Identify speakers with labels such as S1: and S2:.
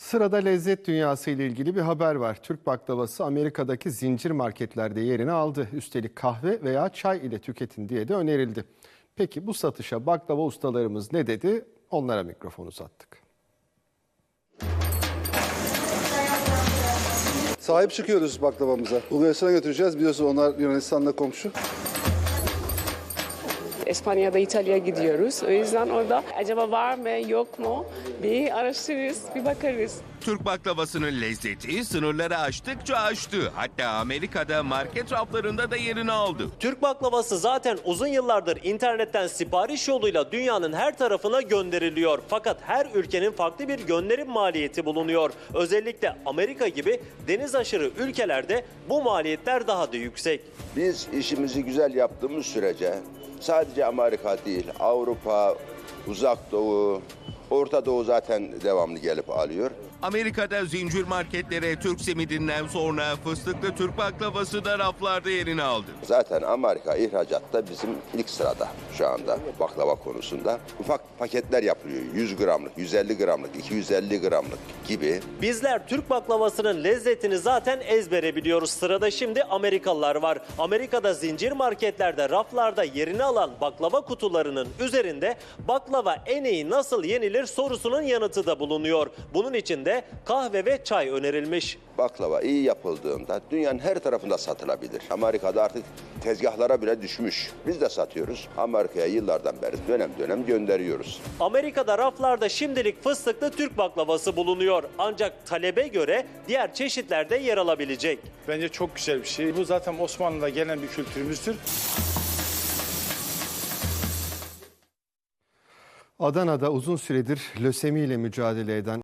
S1: Sırada lezzet dünyası ile ilgili bir haber var. Türk baklavası Amerika'daki zincir marketlerde yerini aldı. Üstelik kahve veya çay ile tüketin diye de önerildi. Peki bu satışa baklava ustalarımız ne dedi? Onlara mikrofonu uzattık.
S2: Sahip çıkıyoruz baklavamıza. Bulgaristan'a götüreceğiz. Biliyorsun onlar Yunanistan'la komşu.
S3: İspanya'da, İtalya'ya gidiyoruz. O yüzden orada acaba var mı yok mu bir araştırırız, bir bakarız.
S4: Türk baklavasının lezzeti sınırları aştıkça aştı. Hatta Amerika'da market raflarında da yerini aldı.
S5: Türk baklavası zaten uzun yıllardır internetten sipariş yoluyla dünyanın her tarafına gönderiliyor. Fakat her ülkenin farklı bir gönderim maliyeti bulunuyor. Özellikle Amerika gibi deniz aşırı ülkelerde bu maliyetler daha da yüksek.
S6: Biz işimizi güzel yaptığımız sürece sadece Amerika değil, Avrupa, Uzak Doğu, Orta Doğu zaten devamlı gelip alıyor.
S4: Amerika'da zincir marketlere Türk simidinden sonra fıstıklı Türk baklavası da raflarda yerini aldı.
S6: Zaten Amerika ihracatta bizim ilk sırada şu anda baklava konusunda. Ufak paketler yapılıyor. 100 gramlık, 150 gramlık, 250 gramlık gibi.
S5: Bizler Türk baklavasının lezzetini zaten ezbere biliyoruz. Sırada şimdi Amerikalılar var. Amerika'da zincir marketlerde raflarda yerini alan baklava kutularının üzerinde baklava en iyi nasıl yenilir sorusunun yanıtı da bulunuyor. Bunun için de kahve ve çay önerilmiş.
S6: Baklava iyi yapıldığında dünyanın her tarafında satılabilir. Amerika'da artık tezgahlara bile düşmüş. Biz de satıyoruz. Amerika'ya yıllardan beri dönem dönem gönderiyoruz.
S5: Amerika'da raflarda şimdilik fıstıklı Türk baklavası bulunuyor. Ancak talebe göre diğer çeşitler de yer alabilecek.
S7: Bence çok güzel bir şey. Bu zaten Osmanlı'da gelen bir kültürümüzdür.
S1: Adana'da uzun süredir lösemiyle mücadele eden